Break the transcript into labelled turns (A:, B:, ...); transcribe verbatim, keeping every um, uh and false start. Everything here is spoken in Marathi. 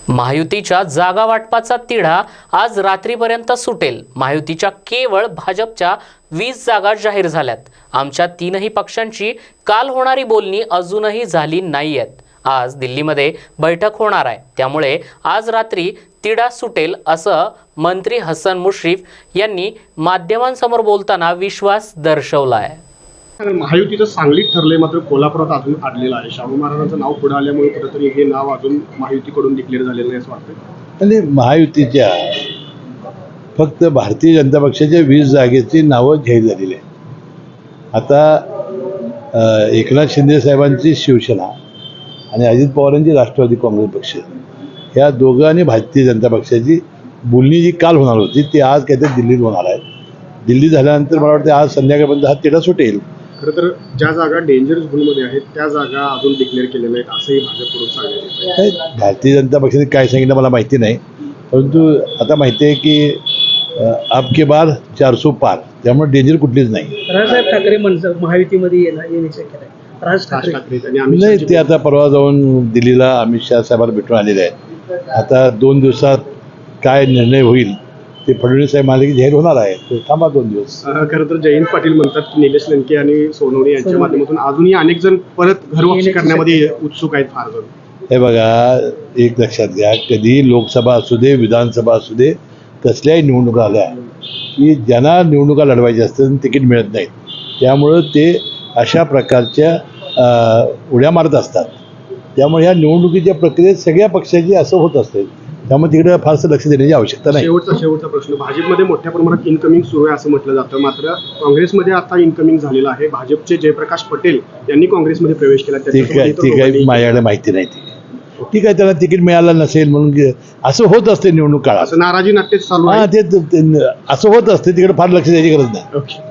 A: महायुतीच्या जागा वाटपाचा तिढा आज रात्रीपर्यंत सुटेल। महायुतीच्या केवळ भाजपच्या वीस जागा जाहीर झाल्यात। आमच्या तीनही पक्षांची काल होणारी बोलणी अजूनही झाली नाहीयेत। आज दिल्लीमध्ये बैठक होणार आहे, त्यामुळे आज रात्री तिढा सुटेल असं मंत्री हसन मुश्रीफ यांनी माध्यमांसमोर बोलताना विश्वास दर्शवला आहे।
B: महायुतीचं सांगलीत ठरलंय, मात्र कोल्हापुरात अजून अडलेलं आहे। शाहू महाराजांचं नाव पुढे आल्यामुळे कुठेतरी हे नाव अजून महायुतीकडून डिक्लेअर झालेलं नाही असं वाटतं।
C: आणि महायुतीच्या फक्त भारतीय जनता पक्षाच्या वीस जागेची नावं जाहीर झालेली आहे। आता एकनाथ शिंदे साहेबांची शिवसेना आणि अजित पवारांची राष्ट्रवादी काँग्रेस पक्ष ह्या दोघं आणि भारतीय जनता पक्षाची बोलणी जी काल होणार होती ती आज काहीतरी दिल्लीत होणार आहे। दिल्ली झाल्यानंतर मला वाटतं आज संध्याकाळपर्यंत हा तिढा सुटेल।
B: खरं तर ज्या जागा डेंजर झोनमध्ये आहेत त्या जागा अजून डिक्लेअर केलेल्या नाहीत असंही भाजपकडून सांगण्यात येत आहे।
C: भारतीय जनता पक्षाने काय सांगितलं मला माहिती नाही, परंतु आता माहिती आहे की आपके बार चारसो पार, त्यामुळे डेंजर कुठलीच नाही।
D: राजसाहेब ठाकरे मनसे महायुतीमध्ये येण्याची शक्यता आहे। राज ठाकरे
C: नाही, ते आता परवा जाऊन दिल्लीला अमित शाह साहेबांना भेटून आलेले आहेत। आता दोन दिवसात काय निर्णय होईल ते फडणवीस साहेब म्हणाले की जाहीर होणार आहे, तर थांबा दोन दिवस।
B: खरं तर जयंत पाटील म्हणतात की निलेश लंके आणि सोनवणे यांच्या माध्यमातून अजूनही अनेक जण परत घरवापसी करण्यामध्ये उत्सुक आहेत फार जण।
C: हे बघा, एक लक्षात घ्या, कधी लोकसभा असू दे विधानसभा असू दे कसल्याही निवडणुका आल्या की ज्यांना निवडणुका लढवायच्या असतात तिकीट मिळत नाहीत, त्यामुळं ते अशा प्रकारच्या उड्या मारत असतात। त्यामुळे ह्या निवडणुकीच्या प्रक्रियेत सगळ्या पक्षाची असं होत असते, त्यामुळे तिकडे फारसं लक्ष देण्याची आवश्यकता नाही।
B: शेवटचा शेवटचा प्रश्न, भाजपमध्ये मोठ्या प्रमाणात इनकमिंग सुरू आहे असं म्हटलं जातं, मात्र काँग्रेसमध्ये आता इनकमिंग झालेलं आहे। भाजपचे जयप्रकाश पटेल यांनी काँग्रेसमध्ये प्रवेश केला,
C: ती काय ती काही माझ्याकडे माहिती नाही। ती ठीक आहे, त्याला तिकीट मिळालं नसेल म्हणून असं होत असते निवडणूक काळात,
B: असं नाराजी नाट्यच चालू
C: हां
B: आहे।
C: ते असं होत असते, तिकडे फार लक्ष द्यायची गरज नाही।
B: ओके.